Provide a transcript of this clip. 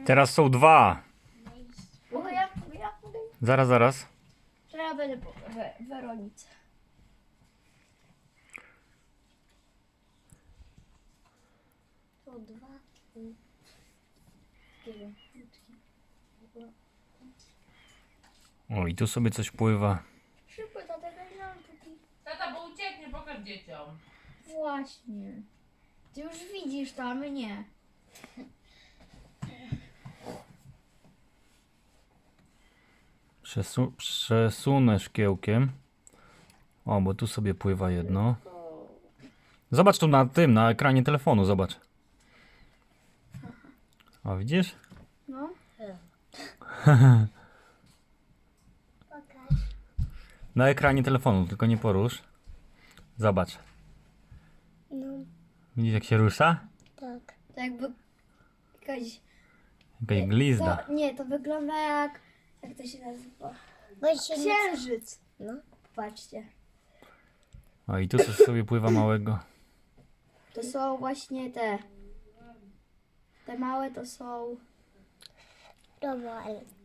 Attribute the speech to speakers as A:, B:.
A: Teraz są dwa.
B: Mogę ja?
A: Zaraz.
B: To ja będę po Weronice. To dwa.
A: O, i tu sobie coś pływa.
B: Szybko, tata, póki.
C: Tata, bo ucieknie, pokaż dzieciom.
B: Właśnie. Ty już widzisz to, a my nie.
A: Przesunę szkiełkiem. O, bo tu sobie pływa jedno. Zobacz tu na ekranie telefonu, zobacz. O, widzisz?
B: No.
A: Na ekranie telefonu, tylko nie porusz. Zobacz.
D: No,
A: Widzisz, jak się rusza?
D: tak.
B: To jakby jakaś...
A: Jakaś glizda.
B: To, nie, to wygląda jak... Jak to się nazywa?
D: Bo się nie...
B: Księżyc.
D: No.
B: Patrzcie.
A: O, i tu coś sobie pływa małego.
B: To są właśnie te. Te małe to są...
D: Dobra, ale